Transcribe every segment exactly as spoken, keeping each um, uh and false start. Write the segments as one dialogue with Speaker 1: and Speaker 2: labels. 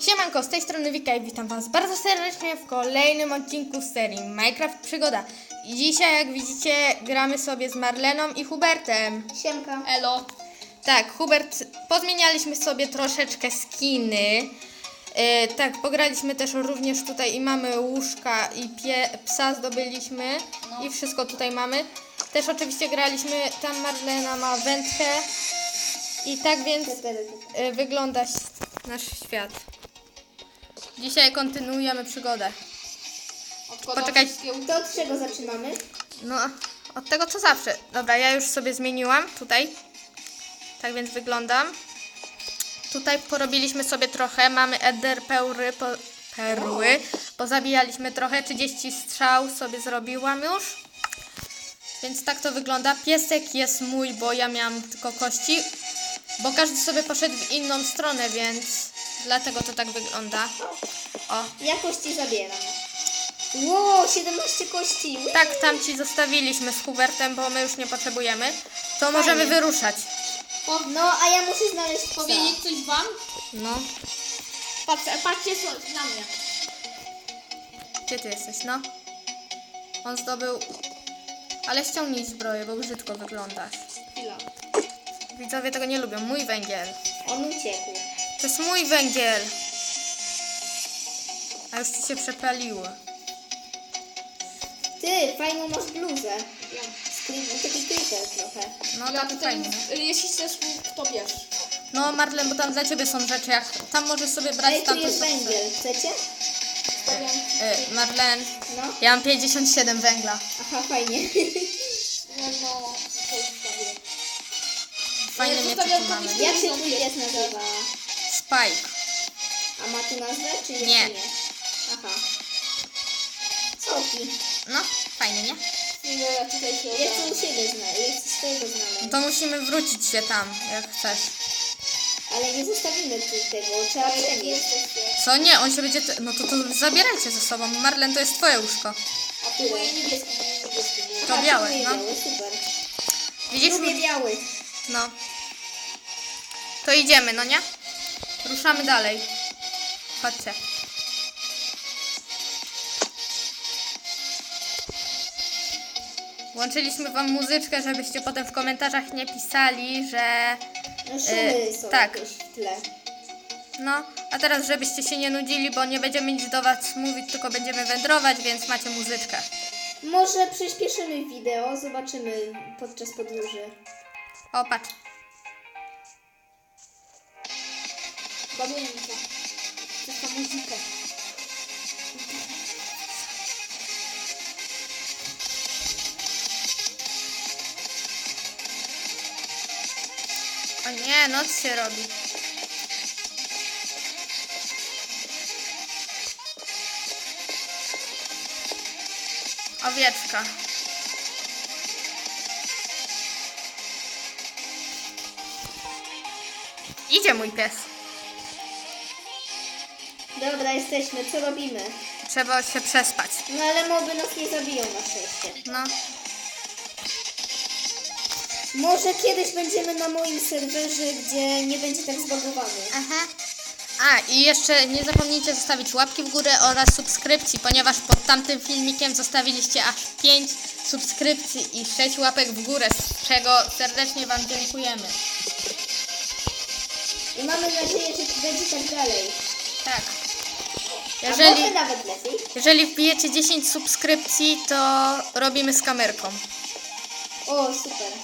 Speaker 1: Siemanko, z tej strony Wika i witam was bardzo serdecznie w kolejnym odcinku z serii Minecraft Przygoda. I dzisiaj, jak widzicie, gramy sobie z Marleną i Hubertem.
Speaker 2: Siemka.
Speaker 1: Elo. Tak, Hubert, pozmienialiśmy sobie troszeczkę skiny. Yy, tak, pograliśmy też również tutaj i mamy łóżka i pie, psa zdobyliśmy no. I wszystko tutaj mamy. Też oczywiście graliśmy, tam Marlena ma wędkę. I tak więc yy, wygląda nasz świat. Dzisiaj kontynuujemy przygodę. Poczekaj.
Speaker 2: To od czego zaczynamy?
Speaker 1: No, od tego co zawsze. Dobra, ja już sobie zmieniłam tutaj. Tak więc wyglądam. Tutaj porobiliśmy sobie trochę. Mamy eder perły, po, perły. Pozabijaliśmy trochę. trzydzieści strzał sobie zrobiłam już. Więc tak to wygląda. Piesek jest mój, bo ja miałam tylko kości. Bo każdy sobie poszedł w inną stronę, więc dlatego to tak wygląda. O.
Speaker 2: Ja kości zabieram. Wow, siedemnaście kości.
Speaker 1: Tak, tam ci zostawiliśmy z Hubertem, bo my już nie potrzebujemy. To
Speaker 2: Fajnie.
Speaker 1: możemy wyruszać.
Speaker 2: No, a ja muszę znaleźć psa.
Speaker 3: Powiedzieć coś wam?
Speaker 1: No.
Speaker 3: Patrz, patrzcie so- na mnie.
Speaker 1: Gdzie ty jesteś? No. On zdobył... Ale ściągnij zbroję, bo brzydko wyglądasz.
Speaker 3: Chwila.
Speaker 1: Widzowie tego nie lubią. Mój węgiel.
Speaker 2: On uciekł.
Speaker 1: To jest mój węgiel. A już ci się przepaliło.
Speaker 2: Ty, fajną masz bluzę. Screen, taki creeper trochę.
Speaker 1: No
Speaker 3: Ja
Speaker 1: tak
Speaker 3: tutaj,
Speaker 1: fajnie.
Speaker 3: jeśli chcesz, to bierz.
Speaker 1: No Marlen, bo tam dla ciebie są rzeczy, jak tam możesz sobie brać
Speaker 2: Ej, tu
Speaker 1: tam
Speaker 2: jest węgiel. Chcecie?
Speaker 1: e, Marlen,
Speaker 2: No.
Speaker 1: ja mam pięćdziesiąt siedem węgla.
Speaker 2: Aha, fajnie.
Speaker 3: No, no, to zostawię.
Speaker 1: Fajne
Speaker 3: Ja
Speaker 1: miecze
Speaker 3: zostawiam
Speaker 1: tu mamy.
Speaker 3: kopię.
Speaker 2: Jak się tu jest nazywa?
Speaker 1: Spike.
Speaker 2: A ma tu nazwę, czy jeszcze
Speaker 1: Nie.
Speaker 2: nie? Aha. Soki.
Speaker 1: No, fajnie, nie?
Speaker 3: Nie, ja tutaj się
Speaker 2: Ja chcę u siebie znaleźć. Ja chcę swojego znaleźć.
Speaker 1: To musimy wrócić się tam, jak chcesz.
Speaker 2: Ale nie zostawimy tu tego. Trzeba przenieść.
Speaker 1: Co? Nie, on się będzie... Te... No to, to zabierajcie ze sobą. Marlen, to jest twoje łóżko.
Speaker 2: A tu
Speaker 3: Moje niebieskie, moje niebieskie.
Speaker 1: To
Speaker 2: Aha,
Speaker 1: białe,
Speaker 2: tu
Speaker 1: no.
Speaker 2: białe, super.
Speaker 1: Widzisz?
Speaker 2: Lubię biały.
Speaker 1: No. To idziemy, no nie? Ruszamy dalej. Chodźcie. Włączyliśmy wam muzyczkę, żebyście potem w komentarzach nie pisali, że...
Speaker 2: No szumy
Speaker 1: E,
Speaker 2: są
Speaker 1: tak.
Speaker 2: jakieś w tle.
Speaker 1: No, a teraz żebyście się nie nudzili, bo nie będziemy nic do was mówić, tylko będziemy wędrować, więc macie muzyczkę.
Speaker 2: Może przyspieszymy wideo, zobaczymy podczas podróży.
Speaker 1: O, patrz.
Speaker 3: Bawię mi to. To jest ta muzyka.
Speaker 1: O nie, noc się robi. Owieczka. Idzie mój pies.
Speaker 2: Dobra, jesteśmy, co robimy?
Speaker 1: Trzeba się przespać.
Speaker 2: No ale moby nas nie zabiją na szczęście.
Speaker 1: No.
Speaker 2: Może kiedyś będziemy na moim serwerze, gdzie nie będzie tak zbagowany.
Speaker 1: Aha. A, i jeszcze nie zapomnijcie zostawić łapki w górę oraz subskrypcji, ponieważ pod tamtym filmikiem zostawiliście aż pięć subskrypcji i sześć łapek w górę, z czego serdecznie wam dziękujemy.
Speaker 2: I mamy nadzieję, że będzie tak dalej.
Speaker 1: Tak.
Speaker 2: A
Speaker 1: Jeżeli,
Speaker 2: może nawet lepiej.
Speaker 1: jeżeli wbijecie dziesięć subskrypcji, to robimy z kamerką.
Speaker 2: O, super.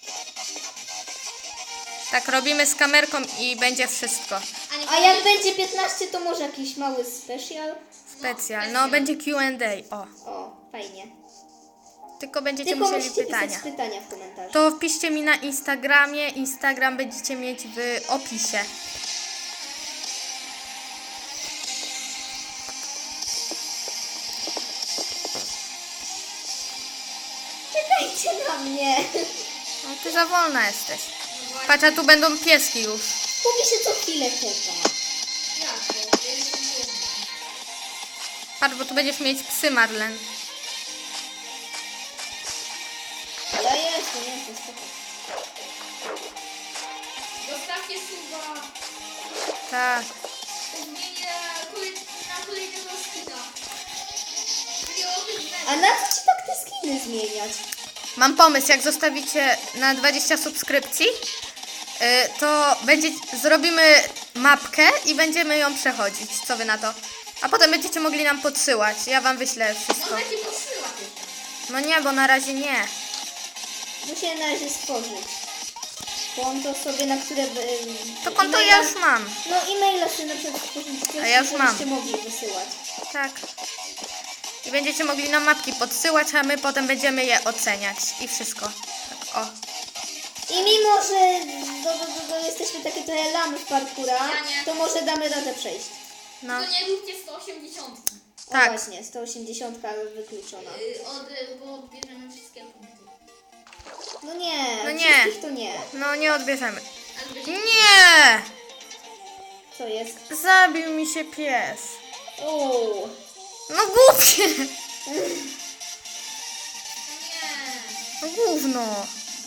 Speaker 1: Tak, robimy z kamerką i będzie wszystko.
Speaker 2: A jak będzie piętnaście, to może jakiś mały special?
Speaker 1: Specjal. No, będzie Q and A. O.
Speaker 2: O, fajnie.
Speaker 1: Tylko będziecie
Speaker 2: Tylko
Speaker 1: musieli
Speaker 2: musicie
Speaker 1: pytania.
Speaker 2: pisać pytania w komentarzu.
Speaker 1: To wpiszcie mi na Instagramie. Instagram będziecie mieć w opisie.
Speaker 2: Czekajcie na mnie.
Speaker 1: No, ty za wolna jesteś. Patrz, a tu będą pieski już.
Speaker 2: Kupi się co chwilę czeka.
Speaker 3: Jak to? Ja jestem głodny.
Speaker 1: Patrz, bo tu będziesz mieć psy, Marlen.
Speaker 2: Ja jestem, jestem, spoko.
Speaker 3: Zostawcie suba.
Speaker 1: Tak.
Speaker 3: Zmienię
Speaker 2: A na co ci tak te skiny zmieniać?
Speaker 1: Mam pomysł, jak zostawicie na dwadzieścia subskrypcji, yy, to będzie, zrobimy mapkę i będziemy ją przechodzić. Co wy na to? A potem będziecie mogli nam podsyłać. Ja wam wyślę wszystko.
Speaker 3: Można ci podsyłać jeszcze.
Speaker 1: No nie, bo na razie nie.
Speaker 2: Muszę na razie stworzyć konto sobie, na które... by-
Speaker 1: To konto
Speaker 2: e-maila-
Speaker 1: ja już mam.
Speaker 2: No e-maila sobie na przykład stworzyć,
Speaker 1: A ja już mam.
Speaker 2: żebyście mogli wysyłać.
Speaker 1: Tak. I będziecie mogli nam mapki podsyłać, a my potem będziemy je oceniać. I wszystko. Tak, o.
Speaker 2: I mimo, że do, do, do, do jesteśmy takie trochę lamy w parkura,
Speaker 3: Ja nie.
Speaker 2: to może damy radę przejść.
Speaker 1: No.
Speaker 3: To nie róbcie sto osiemdziesiąt.
Speaker 2: O
Speaker 1: Tak.
Speaker 2: właśnie, sto osiemdziesiąt wykluczona.
Speaker 3: Yy, od, y, bo odbierzemy wszystkie punkty.
Speaker 2: No nie,
Speaker 1: No nie.
Speaker 2: wszystkich to nie.
Speaker 1: No nie odbierzemy.
Speaker 3: Ale będzie...
Speaker 1: Nie!
Speaker 2: Co jest?
Speaker 1: Zabił mi się pies.
Speaker 2: Uuu.
Speaker 1: No głupie.
Speaker 3: Nie.
Speaker 1: No gówno.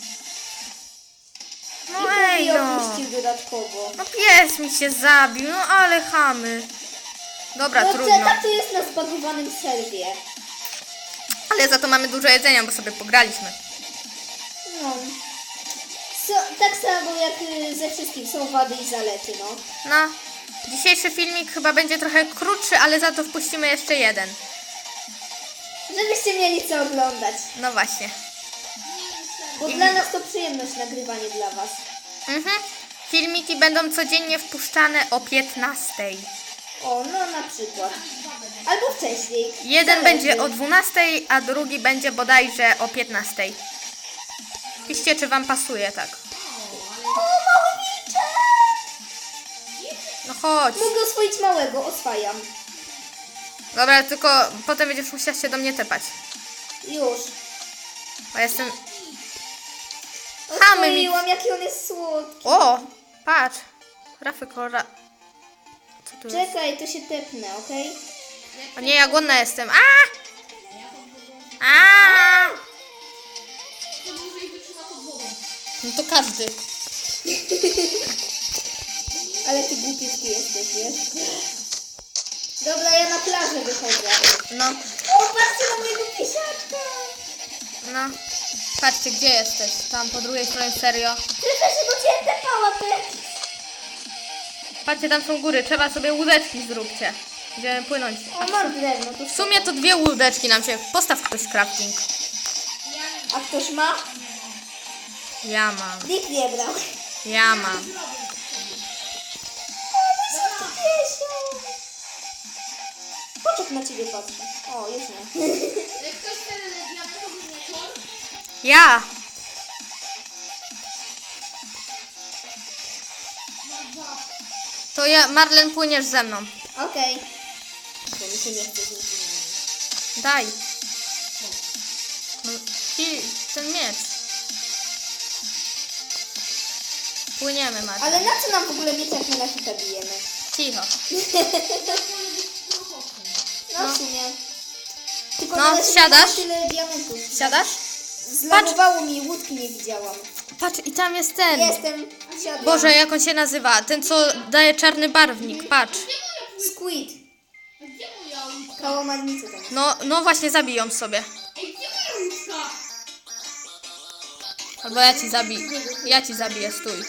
Speaker 1: No
Speaker 2: I
Speaker 1: ej
Speaker 2: później
Speaker 1: no.
Speaker 2: opuścił dodatkowo.
Speaker 1: No pies mi się zabił, no ale chamy. Dobra,
Speaker 2: No
Speaker 1: trudno.
Speaker 2: to, tak to jest na zbagowanym serwie.
Speaker 1: Ale za to mamy dużo jedzenia, bo sobie pograliśmy.
Speaker 2: No. So, tak samo jak y, ze wszystkim są wady i zalety, no.
Speaker 1: No, dzisiejszy filmik chyba będzie trochę krótszy, ale za to wpuścimy jeszcze jeden.
Speaker 2: Żebyście mieli co oglądać.
Speaker 1: No właśnie.
Speaker 2: Bo dla nas to przyjemność nagrywanie dla was.
Speaker 1: Mhm. Filmiki będą codziennie wpuszczane o piętnastej.
Speaker 2: O, no na przykład. Albo wcześniej.
Speaker 1: Jeden
Speaker 2: Zależy.
Speaker 1: będzie o dwunastej, a drugi będzie bodajże o piętnastej. Piszcie, czy wam pasuje, tak.
Speaker 2: O, mały wilczek!
Speaker 1: No chodź.
Speaker 2: Mogę oswoić małego, oswajam.
Speaker 1: Dobra, tylko potem będziesz musiała się do mnie tepać.
Speaker 2: Już.
Speaker 1: Bo jestem... Chamy mi...
Speaker 2: Oswoiłam, jaki on jest słodki.
Speaker 1: O, patrz. Rafy kolora... Co tu jest?
Speaker 2: Czekaj, to się tepnę, okej?
Speaker 1: O nie, ja głodna jestem. A! A!
Speaker 3: To dłużej wytrzyma pod wodą.
Speaker 1: No to każdy.
Speaker 2: Ale ty głupiutki jesteś, wiesz? Dobra, ja na plażę wychodzę.
Speaker 1: No,
Speaker 2: O, patrzcie na mojego piesiaczka!
Speaker 1: no. Patrzcie, gdzie jesteś? Tam po drugiej stronie, serio.
Speaker 2: Przecież się do ciebie tepała, ty!
Speaker 1: Patrzcie, tam są góry. Trzeba sobie łódeczki zróbcie. Będziemy płynąć.
Speaker 2: O, mam drewno, to
Speaker 1: W sumie to dwie łódeczki nam się... Postaw ktoś crafting.
Speaker 2: A ktoś ma?
Speaker 1: Ja mam.
Speaker 2: Nikt nie brał.
Speaker 1: Ja mam.
Speaker 2: Piesio! Poczek na ciebie patrzy. O, jest nie.
Speaker 3: Jak ktoś chce diamentowy motor,
Speaker 1: Ja. To ja, Marlen, płyniesz ze mną.
Speaker 2: Okej. Bo mi się nie chce z nim.
Speaker 1: Daj. No, ci, ten miecz. Płyniemy, Marlen.
Speaker 2: Ale na co nam w ogóle mieć, jak my na hita bijemy?
Speaker 1: Cicho.
Speaker 2: No w sumie. Tylko
Speaker 1: No,
Speaker 2: należy
Speaker 1: siadasz?
Speaker 2: mieć tyle diamentów.
Speaker 1: Siadasz?
Speaker 2: Zlagowało mi, łódki nie widziałam.
Speaker 1: Patrz, i tam jest ten.
Speaker 2: Jestem, siadłam.
Speaker 1: Boże, jak on się nazywa? Ten, co daje czarny barwnik. Patrz.
Speaker 2: Squid.
Speaker 3: gdzie moja łódka?
Speaker 2: Kałamarnicę tam.
Speaker 1: No, no właśnie, zabiją sobie.
Speaker 3: Ej, gdzie moja łódka?
Speaker 1: Albo ja ci zabiję. Ja ci zabiję, stój.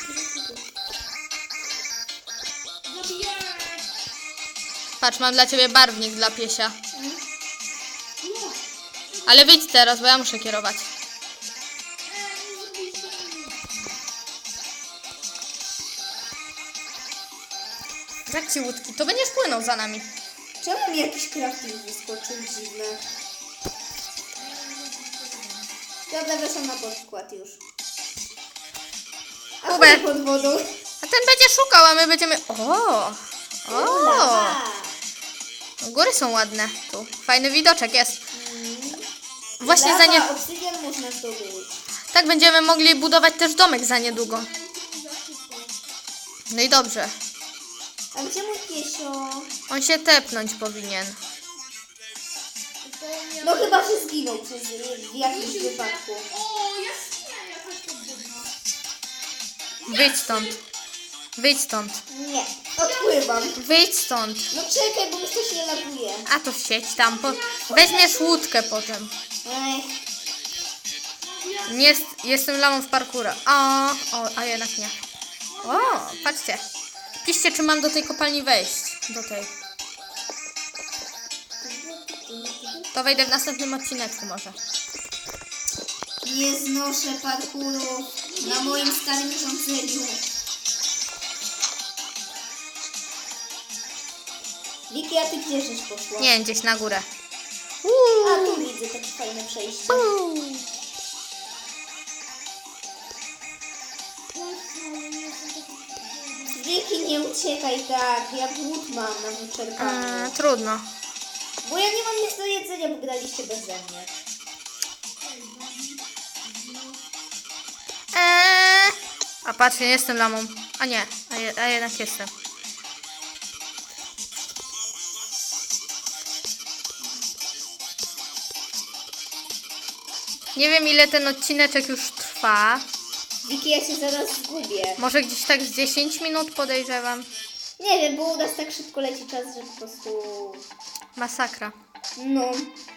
Speaker 3: Zabiję!
Speaker 1: Patrz, mam dla ciebie barwnik dla piesia. Ale wyjdź teraz, bo ja muszę kierować. Jak ci łódki? To będziesz płynął za nami.
Speaker 2: Czemu mi jakiś crafting wyskoczył dziwne? Dobra, weszłam na podkład już. A
Speaker 1: Kubek.
Speaker 2: chuj pod wodą.
Speaker 1: A ten będzie szukał, a my będziemy... O! O!
Speaker 2: Lawa.
Speaker 1: Góry są ładne. Tu. Fajny widoczek jest. Właśnie
Speaker 2: Lawa,
Speaker 1: za nie...
Speaker 2: obsydian można zdobyć.
Speaker 1: Tak będziemy mogli budować też domek za niedługo. No i dobrze.
Speaker 2: A gdzie mój piesio?
Speaker 1: On się tepnąć powinien.
Speaker 2: No chyba, że zginął przez w jakimś wypadku.
Speaker 3: O, jaskinia jakaś podwodna.
Speaker 1: Wyjdź stąd. Wyjdź stąd.
Speaker 2: Nie, odpływam.
Speaker 1: Wyjdź stąd.
Speaker 2: No czekaj, bo mi coś nie laguje.
Speaker 1: A to siedź tam. Po... Weźmiesz łódkę potem.
Speaker 2: Ech,
Speaker 1: Nie jest, jestem lamą w parkurze. O, o, a jednak nie. O, patrzcie. Piszcie, czy mam do tej kopalni wejść. Do tej. To wejdę w następnym odcineczku może.
Speaker 2: nie znoszę parkuru na moim starym urządzeniu. Wiki, a ty gdzie żeś poszła?
Speaker 1: Nie, gdzieś na górę.
Speaker 2: A, tu widzę takie fajne przejście. Wiki, nie uciekaj tak, ja głód mam na wyczerpaniu.
Speaker 1: Eee, trudno.
Speaker 2: Bo ja nie mam nic do jedzenia, bo graliście beze mnie.
Speaker 1: Eee, a patrz, nie jestem lamą. A nie, a, je, a jednak jestem. Nie wiem, ile ten odcineczek już trwa.
Speaker 2: Wiki, ja się zaraz zgubię.
Speaker 1: Może gdzieś tak z dziesięć minut podejrzewam.
Speaker 2: Nie wiem, bo u nas tak szybko leci czas, że po prostu...
Speaker 1: Masakra.
Speaker 2: No.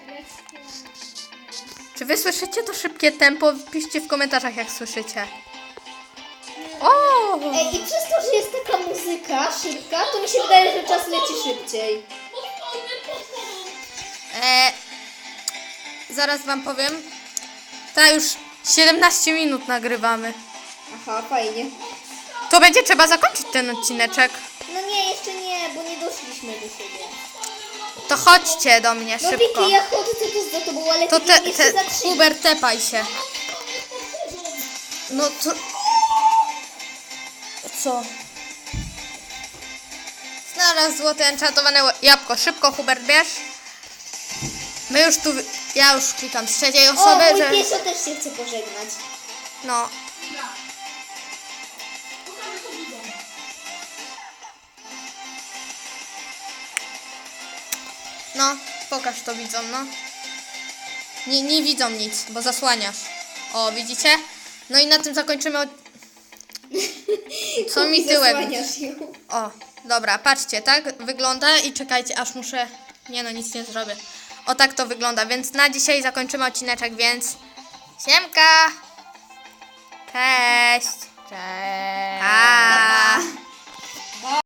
Speaker 1: Czy wy słyszycie to szybkie tempo? Piszcie w komentarzach, jak słyszycie. O!
Speaker 2: Ej, i przez to, że jest taka muzyka szybka, to mi się wydaje, że czas leci szybciej.
Speaker 1: E, zaraz wam powiem. Ta już siedemnaście minut nagrywamy.
Speaker 2: Aha, fajnie.
Speaker 1: To będzie trzeba zakończyć ten odcineczek.
Speaker 2: No nie, jeszcze nie, bo nie doszliśmy do siebie.
Speaker 1: To chodźcie do mnie
Speaker 2: No
Speaker 1: szybko.
Speaker 2: Wiki, ja chodzę tu za tobą, ale
Speaker 1: To
Speaker 2: ty
Speaker 1: te,
Speaker 2: nie
Speaker 1: te,
Speaker 2: się zatrzymać.
Speaker 1: Hubert, tepaj się. No to... Co? Znalazł złote enchantowane jabłko. Szybko, Hubert, bierz. My już tu... Ja już klikam z trzeciej
Speaker 2: O,
Speaker 1: osoby,
Speaker 2: mój
Speaker 1: że...
Speaker 2: piesio też się chce pożegnać.
Speaker 1: No. No, pokaż to widzom, no. Nie, nie widzą nic, bo zasłaniasz. O, widzicie? No i na tym zakończymy od... Co mi tyłek?
Speaker 2: Zasłaniasz ją.
Speaker 1: O, dobra, patrzcie, tak wygląda i czekajcie, aż muszę... Nie no, nic nie zrobię. O, tak to wygląda, więc na dzisiaj zakończymy odcineczek, więc... Siemka! Cześć! Cześć! Pa!